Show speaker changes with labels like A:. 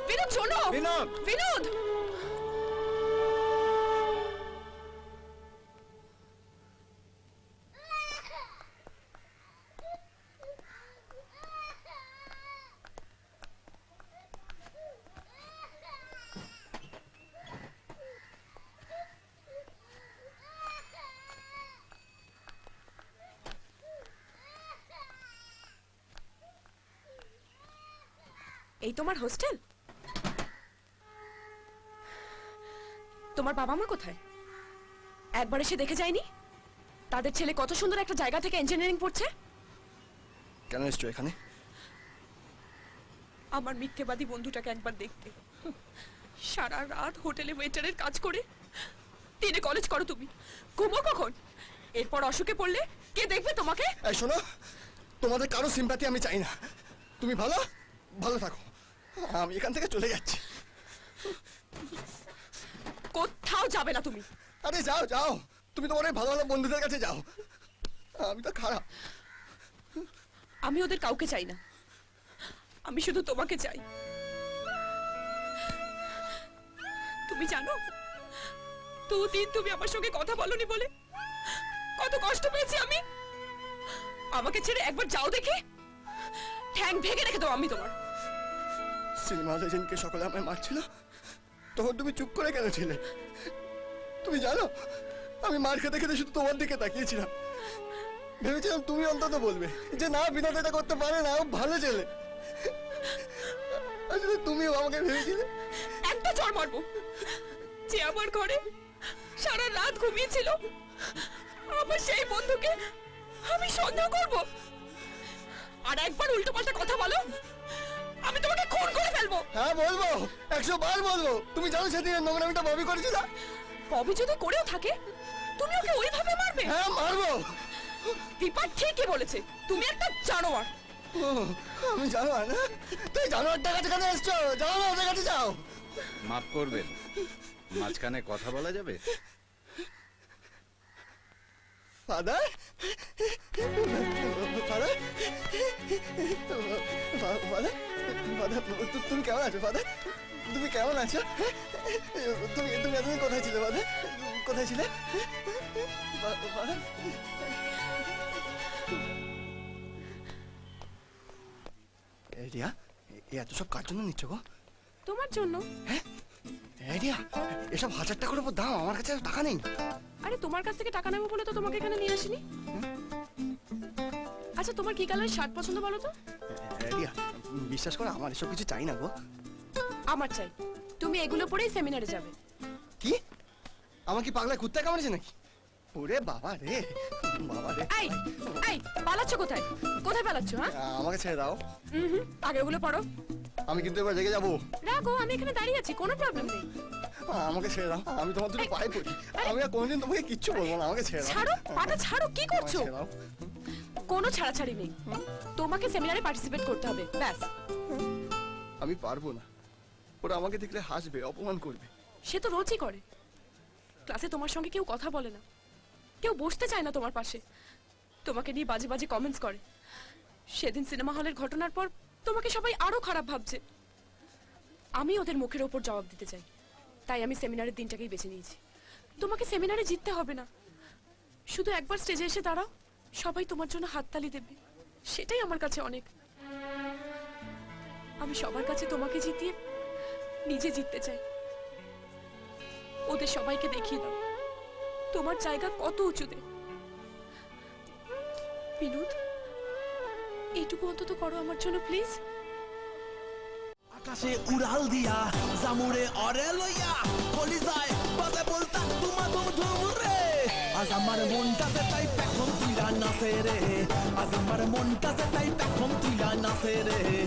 A: বিনোদ শোনো।
B: বিনোদ!
A: বিনোদ! এই তোমার হোস্টেল? তোমার বাবা মা কোথায়? একবার এসে দেখে যায়নি তাদের ছেলে কত সুন্দর একটা জায়গা থেকে ইঞ্জিনিয়ারিং পড়ছে?
B: কেন এসছো এখানে?
A: আমার মিথ্যেবাদী বন্ধুটাকে একবার দেখতে। সারা রাত হোটেলে ওয়েটারের কাজ করে দিনে কলেজ করো তুমি, ঘুমো কখন? এরপর অসুখে পড়লে কে দেখবে তোমাকে?
B: এই শোনো, তোমাদের কারো সিম্প্যাথি আমি চাই না। তুমি ভালো ভালো থাকো, আমি এখান থেকে চলে যাচ্ছি।
A: কোথাও যাবে না তুমি।
B: আরে যাও যাও, তুমি তোমার ওই ভালো ভালো বন্ধুদের কাছে যাও। আমি তো খারাপ।
A: আমি ওদের কাউকে চাই না, আমি শুধু তোমাকে চাই। তুমি জানো দুদিন তুমি আমার সঙ্গে কথা বলনি বলে কত কষ্ট পেয়েছি আমি। আমাকে ছেড়ে একবার যাও দেখে ঠ্যাং ভেঙে রেখে দাও আমি তোমার।
B: সিনেমা হলে যেদিনকে সকালে আমায় মারছিল তখন তুমি চুপ করে কেন ছিলে? তুমি জানো আমি মার খেতে খেতে শুধু তোমার দিকে তাকিয়েছিলাম। ভেবেছিলাম তুমি অন্তত বলবে যে না, বিনোদ এটা করতে পারে না, ও ভালো ছেলে। আসলে তুমিও আমাকে ভেবেছিলে।
A: একটা চড় মারবো যে আমার ঘরে সারা রাত ঘুমিয়েছিল, আমার সেই বন্ধুকে আমি সন্দেহ করব। আর একবার উল্টো পাল্টা কথা বলো আমি তোমাকে খুন করে ফেলবো।
B: হ্যাঁ বলবো, 100 বার বলবো। তুমি জানো সেদিন নোংরামিটা ববি করেছিল?
A: ববি যদি করেও থাকে তুমি ওকে ওইভাবে মারবে?
B: হ্যাঁ মারবো।
A: দীপা ঠিকই বলেছে, তুমি একটা জানোয়ার।
B: ও, আমি জানোয়ার না? তুই জানোয়ারটার কাছে কেন এসছো? যাও না, ওদের কাছে যাও।
C: মাফ করবেন, মাঝখানে কথা বলা যাবে?
B: ফাদার, ফাদার, ফাদার, ফাদার, তুমি কেমন আছো ফাদার? তুমি কেমন আছো? তুমি তুমি এতদিন কোথায় ছিলে ফাদার? কোথায় ছিলে ফাদার? রিয়া, এত সব কার জন্য নিচ্ছ গো?
A: তোমার জন্য।
B: হ্যাঁ রিয়া, এসব 1000 টাকার উপর দাম, আমার কাছে আর টাকা নেই।
A: আরে তোমার কাছ থেকে টাকা নেবো বলে তো তোমাকে এখানে নিয়ে আসিনি। আচ্ছা তোমার কি কালারের শার্ট পছন্দ বলো তো?
B: রিয়া, বিশ্বাস করো আমার এসব কিছু চাই না গো।
A: আমার চাই, তুমি এগুলো পরেই সেমিনারে যাবে।
B: কি? আমার কি পাগলা কুত্তা কামড়েছে নাকি? ওরে বাবা রে, বাবা রে।
A: এই এই পালাচ্ছ কোথায়? কোথায় পালাচ্ছ? হ্যাঁ
B: আমাকে ছেড়ে দাও।
A: আগে ওগুলো পড়ো।
B: আমি কিন্তু এবার রেগে যাবো।
A: রাখো, আমি এখানে দাঁড়িয়ে আছি, কোনো প্রবলেম নেই।
B: আমাকে ছেড়ে দাও, আমি তোমার দুটো পায়ে পড়ি। আমি আর কোনোদিন তোমাকে কিচ্ছু বলবো না, আমাকে ছেড়ে দাও।
A: ছাড়ো, পাটা ছাড়ো, কি করছো?
B: আমাকে ছেড়ে দাও।
A: কোনো ছাড়াছাড়ি নেই, তোমাকে সেমিনারে পার্টিসিপেট করতে হবে, ব্যাস।
B: আমি পারবো না, ওরা আমাকে দেখলে হাসবে, অপমান করবে।
A: সে তো রোজই করে। ক্লাসে তোমার সঙ্গে কেউ কথা বলে না, কেউ বসতে চায় না তোমার পাশে, তোমাকে নিয়ে বাজে বাজে কমেন্টস করে। সেদিন সিনেমা হলের ঘটনার পর তোমাকে সবাই আরো খারাপ ভাবছে। আমি ওদের মুখের ওপর জবাব দিতে চাই, তাই আমি সেমিনারের দিনটাকেই বেছে নিয়েছি। তোমাকে সেমিনারে জিততে হবে না, শুধু একবার স্টেজে এসে দাঁড়াও, সবাই তোমার জন্য হাততালি দেবে, সেটাই আমার কাছে অনেক। আমি সবার কাছে তোমাকে জিতিয়ে নিজে জিততে চাই। ওদের সবাইকে দেখিয়ে দাও তোমার জায়গা কত উঁচুতে। বিনোদ, এইটুকু অন্তত করো আমার জন্য প্লিজ।
D: আকাশে উড়াল দিয়া জামুরে অরে লইয়া বলি যায় বাজে বলতা তোমা ধুম ধুম রে। আজ আমার মনটাতে তাই পেখম তুইলা নাচে রে, আজ আমার মনটাতে তাই পেখম তুইলা নাচে রে।